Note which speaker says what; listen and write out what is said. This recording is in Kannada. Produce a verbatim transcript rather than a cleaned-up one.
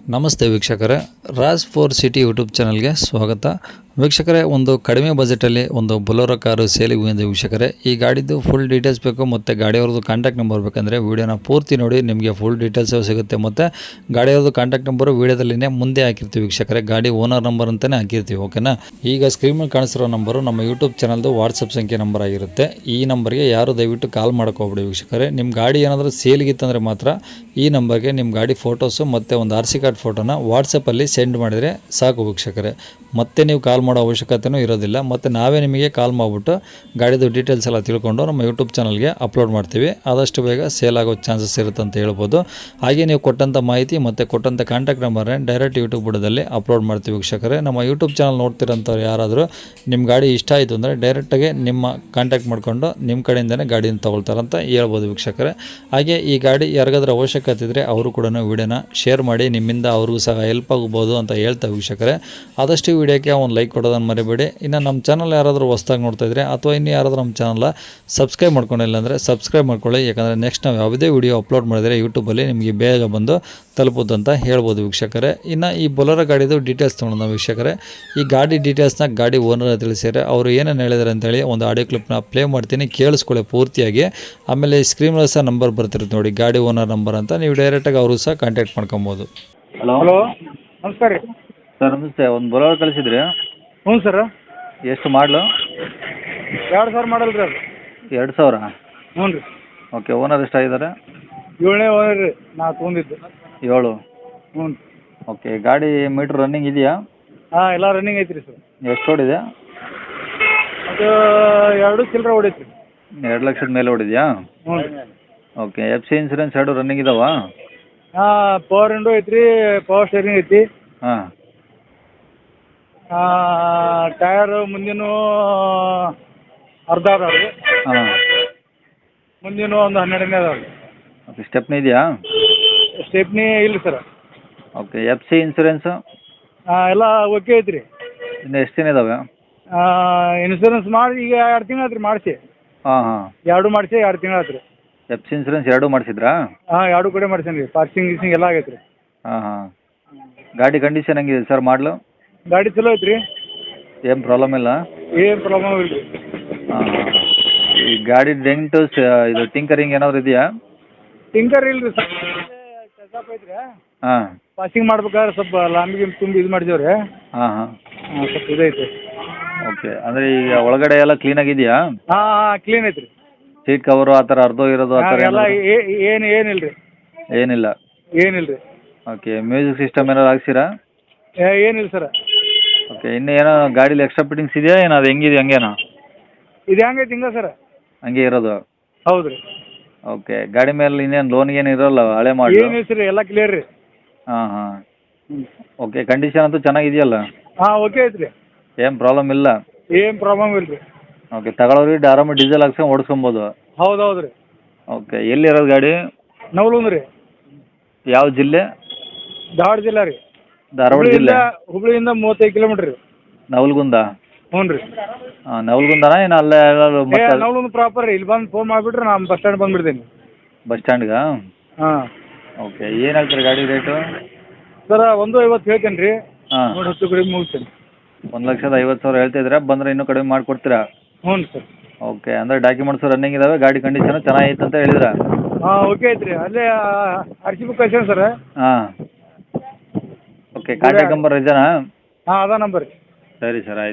Speaker 1: ನಮಸ್ತೆ ವೀಕ್ಷಕರೇ, ರಾಜ್ ಫೋರ್ ಸಿಟಿ ಯೂಟ್ಯೂಬ್ ಚಾನಲ್ಗೆ ಸ್ವಾಗತ. ವೀಕ್ಷಕರೇ, ಒಂದು ಕಡಿಮೆ ಬಜೆಟಲ್ಲಿ ಒಂದು ಬೊಲೊರೋ ಕಾರು ಸೇಲಿಗೆ ಬಂದಿದೆ ವೀಕ್ಷಕರೇ. ಈ ಗಾಡಿದು ಫುಲ್ ಡೀಟೇಲ್ಸ್ ಬೇಕು ಮತ್ತು ಗಾಡಿಯವ್ರದ್ದು ಕಾಂಟ್ಯಾಕ್ಟ್ ನಂಬರ್ ಬೇಕಂದರೆ ವೀಡಿಯೋನ ಪೂರ್ತಿ ನೋಡಿ, ನಿಮಗೆ ಫುಲ್ ಡೀಟೇಲ್ಸ್ ಸಿಗುತ್ತೆ. ಮತ್ತು ಗಾಡಿಯವ್ರದ್ದು ಕಾಂಟ್ಯಾಕ್ಟ್ ನಂಬರು ವೀಡಿಯೋದಲ್ಲಿನೇ ಮುಂದೆ ಹಾಕಿರ್ತೀವಿ ವೀಕ್ಷಕರೇ, ಗಾಡಿ ಓನರ್ ನಂಬರ್ ಅಂತಲೇ ಹಾಕಿರ್ತೀವಿ. ಓಕೆನಾ? ಈಗ ಸ್ಕ್ರೀನ್ ಮೇಲೆ ಕಾಣಿಸಿರೋ ನಂಬರು ನಮ್ಮ ಯೂಟ್ಯೂಬ್ ಚಾನಲ್ದು ವಾಟ್ಸಪ್ ಸಂಖ್ಯೆ ನಂಬರ್ ಆಗಿರುತ್ತೆ. ಈ ನಂಬರ್ಗೆ ಯಾರು ದಯವಿಟ್ಟು ಕಾಲ್ ಮಾಡ್ಕೋಬಿಡಿ ವೀಕ್ಷಕರೇ. ನಿಮ್ಮ ಗಾಡಿ ಏನಾದರೂ ಸೇಲಿಗಿತ್ತಂದರೆ ಮಾತ್ರ ಈ ನಂಬರ್ಗೆ ನಿಮ್ಮ ಗಾಡಿ ಫೋಟೋಸು ಮತ್ತು ಒಂದು ಆರ್ ಸಿ ಕಾರ್ಡ್ ಫೋಟೋನ ವಾಟ್ಸಪ್ಪಲ್ಲಿ ಸೆಂಡ್ ಮಾಡಿದರೆ ಸಾಕು ವೀಕ್ಷಕರೇ. ಮತ್ತೆ ನೀವು ಕಾಲ್ ಮಾಡೋ ಅವಶ್ಯಕತೆಯೂ ಇರೋದಿಲ್ಲ. ಮತ್ತು ನಾವೇ ನಿಮಗೆ ಕಾಲ್ ಮಾಡಿಬಿಟ್ಟು ಗಾಡಿದು ಡೀಟೇಲ್ಸ್ ಎಲ್ಲ ತಿಳ್ಕೊಂಡು ನಮ್ಮ ಯೂಟ್ಯೂಬ್ ಚಾನಲ್ಗೆ ಅಪ್ಲೋಡ್ ಮಾಡ್ತೀವಿ. ಆದಷ್ಟು ಬೇಗ ಸೇಲ್ ಆಗೋ ಚಾನ್ಸಸ್ ಇರುತ್ತೆ ಅಂತ ಹೇಳ್ಬೋದು. ಹಾಗೆ ನೀವು ಕೊಟ್ಟಂಥ ಮಾಹಿತಿ ಮತ್ತು ಕೊಟ್ಟಂಥ ಕಾಂಟ್ಯಾಕ್ಟ್ ನಂಬರ್ನೇ ಡೈರೆಕ್ಟ್ ಯೂಟ್ಯೂಬ್ ಬುಡದಲ್ಲಿ ಅಪ್ಲೋಡ್ ಮಾಡ್ತೀವಿ ವೀಕ್ಷಕರೇ. ನಮ್ಮ ಯೂಟ್ಯೂಬ್ ಚಾನಲ್ ನೋಡ್ತಿರೋಂಥವ್ರು ಯಾರಾದರೂ ನಿಮ್ಮ ಗಾಡಿ ಇಷ್ಟ ಆಯಿತು ಅಂದರೆ ಡೈರೆಕ್ಟಾಗಿ ನಿಮ್ಮ ಕಾಂಟ್ಯಾಕ್ಟ್ ಮಾಡಿಕೊಂಡು ನಿಮ್ಮ ಕಡೆಯಿಂದನೇ ಗಾಡಿನ ತೊಗೊಳ್ತಾರಂತ ಹೇಳ್ಬೋದು ವೀಕ್ಷಕರೇ. ಹಾಗೆ ಈ ಗಾಡಿ ಯಾರಿಗಾದ್ರೂ ಅವಶ್ಯಕತೆ ಇದ್ದರೆ ಅವರು ಕೂಡ ವಿಡಿಯೋನ ಶೇರ್ ಮಾಡಿ, ನಿಮ್ಮಿಂದ ಅವ್ರಿಗೂ ಸಹ ಹೆಲ್ಪ್ ಆಗ್ಬೋದು ಅಂತ ಹೇಳ್ತಾ ವೀಕ್ಷಕರೇ. ಆದಷ್ಟು ವಿಡಿಯೋಕ್ಕೆ ಒಂದು ಲೈಕ್ ಕೊಡೋದನ್ನು ಮರಿಬೇಡಿ. ಇನ್ನು ನಮ್ಮ ಚಾನಲ್ ಯಾರಾದರೂ ಹೊಸ್ದಾಗಿ ನೋಡ್ತಾ ಇದ್ದರೆ ಅಥವಾ ಇನ್ನು ಯಾರಾದರೂ ನಮ್ಮ ಚಾನಲ್ ಸಬ್ಸ್ಕ್ರೈಬ್ ಮಾಡ್ಕೊಂಡಿಲ್ಲ ಅಂದರೆ ಸಬ್ಸ್ಕ್ರೈಬ್ ಮಾಡ್ಕೊಳ್ಳಿ. ಯಾಕಂದರೆ ನೆಕ್ಸ್ಟ್ ನಾವು ಯಾವುದೇ ವಿಡಿಯೋ ಅಪ್ಲೋಡ್ ಮಾಡಿದರೆ ಯೂಟ್ಯೂಬಲ್ಲಿ ನಿಮಗೆ ಬೇಗ ಬಂದು ತಲುಪೋದು ಅಂತ ಹೇಳ್ಬೋದು ವೀಕ್ಷಕರೇ. ಇನ್ನು ಈ ಬೊಲೊರೋ ಗಾಡಿದು ಡೀಟೇಲ್ಸ್ ತೊಗೊಳೋಣ ವೀಕ್ಷಕರೇ. ಈ ಗಾಡಿ ಡೀಟೇಲ್ಸ್ನ ಗಾಡಿ ಓನರ್ ತಿಳಿಸಿದರೆ ಅವರು ಏನೇನು ಹೇಳಿದ್ದಾರೆ ಅಂತೇಳಿ ಒಂದು ಆಡಿಯೋ ಕ್ಲಿಪ್ನ ಪ್ಲೇ ಮಾಡ್ತೀನಿ, ಕೇಳಿಸ್ಕೊಳ್ಳಿ ಪೂರ್ತಿಯಾಗಿ. ಆಮೇಲೆ ಸ್ಕ್ರೀನಲ್ಲಿ ಸಹ ನಂಬರ್ ಬರ್ತಿರುತ್ತೆ ನೋಡಿ, ಗಾಡಿ ಓನರ್ ನಂಬರ್ ಅಂತ. ನೀವು ಡೈರೆಕ್ಟಾಗಿ ಅವರು ಸಹ ಕಾಂಟ್ಯಾಕ್ಟ್ ಮಾಡ್ಕೊಬೋದು.
Speaker 2: ಹಲೋ ಹಲೋ ನಮಸ್ಕಾರ ರೀ
Speaker 1: ಸರ್. ನಮಸ್ತೆ. ಒಂದು ಬೊಲೊರೋ ಕಳಿಸಿದ್ರಿ?
Speaker 2: ಹ್ಞೂ ಸರ್.
Speaker 1: ಎಷ್ಟು ಮಾಡಲು?
Speaker 2: ಎರಡು ಸಾವಿರ ಮಾಡಲ್ ರೀ ಅದು.
Speaker 1: ಎರಡು ಸಾವಿರ?
Speaker 2: ಹ್ಞೂ ರೀ.
Speaker 1: ಓಕೆ. ಓನರ್ ಎಷ್ಟಾಗಿದ್ದಾರೆ?
Speaker 2: ಏಳನೇ ಓನರ್ ರೀ ನಾ ತೊಗೊಂಡಿದ್ದು.
Speaker 1: ಏಳು?
Speaker 2: ಹ್ಞೂ.
Speaker 1: ಓಕೆ. ಗಾಡಿ ಮೀಟ್ರ್ ರನ್ನಿಂಗ್ ಇದೆಯಾ?
Speaker 2: ಹಾಂ, ಎಲ್ಲ ರನ್ನಿಂಗ್ ಐತಿ ರೀ ಸರ್.
Speaker 1: ಎಷ್ಟು ಓಡಿದೆ?
Speaker 2: ಅದು ಎರಡು ಚಿಲ್ಲರೆ ಹೊಡೈತಿ ರೀ.
Speaker 1: ಎರಡು ಲಕ್ಷದ ಮೇಲೆ ಓಡಿದೆಯಾ?
Speaker 2: ಹ್ಞೂ ರೀ.
Speaker 1: ಓಕೆ. ಎಫ್ ಸಿ ಇನ್ಸೂರೆನ್ಸ್ ಎರಡು ರನ್ನಿಂಗ್ ಇದಾವಾ?
Speaker 2: ಹಾಂ, ಪವರ್ ವಿಂಡೋ ಐತಿ ರೀ, ಪವರ್ ಸ್ಟೇರಿಂಗ್ ಐತಿ.
Speaker 1: ಹಾಂ.
Speaker 2: ಟಯರು ಮುಂದಿನ ಅರ್ಧ ಅದಾವ ರೀ.
Speaker 1: ಹಾಂ.
Speaker 2: ಮುಂದಿನ ಒಂದು ಹನ್ನೆರಡನೇ ಅದಾವ ರೀ.
Speaker 1: ಓಕೆ. ಸ್ಟೆಪ್ನಿ ಇದೆಯಾ?
Speaker 2: ಸ್ಟೆಪ್ನಿ ಇಲ್ಲ sir.
Speaker 1: Okay. F C insurance?
Speaker 2: ಹಾಂ, ಎಲ್ಲ ಓಕೆ ಐತಿ ರೀ.
Speaker 1: ಇನ್ನು ಎಷ್ಟು ದಿನ ಇದಾವೆ?
Speaker 2: ಇನ್ಸೂರೆನ್ಸ್ ಮಾಡಿ ಈಗ ಎರಡು ತಿಂಗಳು ಆಯ್ತು ರೀ ಮಾಡಿಸಿ.
Speaker 1: ಹಾಂ ಹಾಂ.
Speaker 2: ಎರಡು ಮಾಡಿಸಿ ಎರಡು ತಿಂಗಳು ಆಯ್ತು ರೀ.
Speaker 1: ಎಫ್ ಸಿ ಇನ್ಸೂರೆನ್ಸ್ ಎರಡೂ ಮಾಡಿಸಿದ್ರಾ?
Speaker 2: ಹಾಂ, ಎರಡು ಕಡೆ ಮಾಡ್ಸೇನಿ ರೀ. ಪಾರ್ಕಿಂಗ್ ಗೀಸಿಂಗ್ ಎಲ್ಲ ಆಗೈತೆ ರೀ.
Speaker 1: ಹಾಂ ಹಾಂ. ಗಾಡಿ ಕಂಡೀಷನ್ ಹೆಂಗಿದೆ ಸರ್? ಮಾಡಲು
Speaker 2: ಗಾಡಿ ಚಲೋ ಐತೆ ರೀ. ಏನು
Speaker 1: ಪ್ರಾಬ್ಲಮ್ ಇಲ್ಲ?
Speaker 2: ಏನು ಪ್ರಾಬ್ಲಮ್ ಇಲ್ಲ ರೀ.
Speaker 1: ಹಾಂ ಹಾಂ. ಈ ಗಾಡಿ ಡೆಂಟು ಇದು ಟಿಂಕರಿಂಗ್ ಏನಾದ್ರು ಇದೆಯಾ?
Speaker 2: ಟಿಂಕರ್ ಇಲ್ಲ ರೀ ಸರ್. ಕೆಲ್ಸಪ್ ಐತೆ ರೀ.
Speaker 1: ಹಾಂ.
Speaker 2: ಪಾಸಿಂಗ್ ಮಾಡ್ಬೇಕಾದ್ರೆ ಸ್ವಲ್ಪ ಲಾಂಬಿಗೆ ತುಂಬಿ ಇದು ಮಾಡಿದೇವೆ ರೀ.
Speaker 1: ಹಾಂ ಹಾಂ.
Speaker 2: ಹಾಂ, ಸ್ವಲ್ಪ ಇದೈತೆ.
Speaker 1: ಓಕೆ. ಅಂದರೆ ಈಗ ಒಳಗಡೆ ಎಲ್ಲ ಕ್ಲೀನಾಗಿದೆಯಾ?
Speaker 2: ಹಾಂ ಹಾಂ, ಕ್ಲೀನ್ ಐತೆ ರೀ.
Speaker 1: ಸೀಟ್ ಕವರು ಆ ಥರ ಅರ್ಧೋ ಇರೋದು ಆ ಥರ
Speaker 2: ಎಲ್ಲ ಏನು ಏನಿಲ್ಲ ರೀ.
Speaker 1: ಏನಿಲ್ಲ?
Speaker 2: ಏನಿಲ್ಲ ರೀ.
Speaker 1: ಓಕೆ. ಮ್ಯೂಸಿಕ್ ಸಿಸ್ಟಮ್ ಏನಾದ್ರು ಹಾಕ್ಸಿರಾ?
Speaker 2: ಏನಿಲ್ಲ ಸರ್.
Speaker 1: ಓಕೆ. ಇನ್ನೂ ಏನೋ ಗಾಡೀಲಿ ಎಕ್ಸ್ಟ್ರಾ ಫಿಟ್ಟಿಂಗ್ಸ್ ಇದೆಯಾ ಏನು? ಅದು ಹೆಂಗಿದೆ ಹಂಗೇನಾ?
Speaker 2: ಇದು ಹೆಂಗೈತೆ ಹಿಂಗೆ ಸರ್.
Speaker 1: ಹಂಗೆ ಇರೋದು?
Speaker 2: ಹೌದು ರೀ.
Speaker 1: ಓಕೆ. ಗಾಡಿ ಮೇಲೆ ಇನ್ನೇನು ಲೋನ್ ಏನು ಇರೋಲ್ಲ ಹಳೆ ಮಾಡಿ?
Speaker 2: ಏನಿಲ್ಲ ಸರ್, ಎಲ್ಲ ಕ್ಲಿಯರ್ ರೀ.
Speaker 1: ಹಾಂ ಹಾಂ. ಓಕೆ. ಕಂಡೀಷನ್ ಅಂತೂ ಚೆನ್ನಾಗಿದೆಯಲ್ಲ?
Speaker 2: ಹಾಂ, ಓಕೆ ಐತೆ ರೀ.
Speaker 1: ಏನು ಪ್ರಾಬ್ಲಮ್ ಇಲ್ಲ?
Speaker 2: ಏನು ಪ್ರಾಬ್ಲಮ್ ಇಲ್ಲ ರೀ.
Speaker 1: ಓಕೆ. ತಗೊಳ್ಳೋರಿಗೆ ಆರಾಮಾಗಿ ಡೀಸೆಲ್ ಹಾಕ್ಸ್ಕೊಂಡು ಓಡಿಸ್ಕೊಬೋದು?
Speaker 2: ಹೌದು ಹೌದು ರೀ.
Speaker 1: ಓಕೆ. ಎಲ್ಲಿರೋದು ಗಾಡಿ?
Speaker 2: ನವಲುಂದ ರೀ.
Speaker 1: ಯಾವ ಜಿಲ್ಲೆ?
Speaker 2: ಧಾರವಾಡ ಜಿಲ್ಲಾ ರೀ.
Speaker 1: ಧಾರವಾಡ ಜಿಲ್ಲೆ?
Speaker 2: ಹುಬ್ಳಿಯಿಂದ ಮೂವತ್ತೈದು ಕಿಲೋಮೀಟ್ರ್ ರೀ.
Speaker 1: ನವಲ್ಗುಂದ?
Speaker 2: ಹ್ಞೂ ರೀ.
Speaker 1: ಹಾಂ. ನವಲ್ಗುಂದನಾ ಏನು ಅಲ್ಲೇ?
Speaker 2: ನವಲುಂದ ಪ್ರಾಪರ್ ರೀ. ಇಲ್ಲಿ ಬಂದು ಫೋನ್ ಮಾಡಿಬಿಟ್ರೆ ನಾನು ಬಸ್ ಸ್ಟ್ಯಾಂಡ್ ಬಂದುಬಿಡ್ತೀನಿ.
Speaker 1: ಬಸ್ ಸ್ಟ್ಯಾಂಡ್ಗಾ?
Speaker 2: ಹಾಂ.
Speaker 1: ಓಕೆ. ಏನು ಹೇಳ್ತೀರಿ ಗಾಡಿ ರೇಟು?
Speaker 2: ಸರ್, ಒಂದು ಐವತ್ತು ಹೇಳ್ತೇನೆ ರೀ.
Speaker 1: ಹಾಂ.
Speaker 2: ನೋಡಿ ಹತ್ತು ಕಡಿಮೆ ಮುಗಿಸ್ತೇನೆ.
Speaker 1: ಒಂದು ಲಕ್ಷದ ಐವತ್ತು ಸಾವಿರ ಹೇಳ್ತಿದ್ದೀರಾ? ಬಂದರೆ ಇನ್ನೂ ಕಡಿಮೆ ಮಾಡಿಕೊಡ್ತೀರಾ?
Speaker 2: ಹ್ಞೂ ಸರ್.
Speaker 1: ಓಕೆ. ಅಂದರೆ ಡಾಕ್ಯುಮೆಂಟ್ಸು ರನ್ನಿಂಗ್ ಇದ್ದಾವೆ, ಗಾಡಿ ಕಂಡೀಷನು ಚೆನ್ನಾಗೈತೆ ಅಂತ ಹೇಳಿದ್ರಾ?
Speaker 2: ಹಾಂ, ಓಕೆ ಐತೆ ರೀ. ಅಲ್ಲೇ ಆರ್ ಸಿ ಬುಕ್ ಕಳ್ಸೇನೆ ಸರ್.
Speaker 1: ಹಾಂ. ಓಕೆ. ಕಾಂಟ್ಯಾಕ್ಟ್ ನಂಬರ್ ಇದೆಯಾ?
Speaker 2: ಹಾಂ, ಅದ ನಂಬರ್ ರೀ.
Speaker 1: ಸರಿ ಸರ್, ಆಯ್ತು.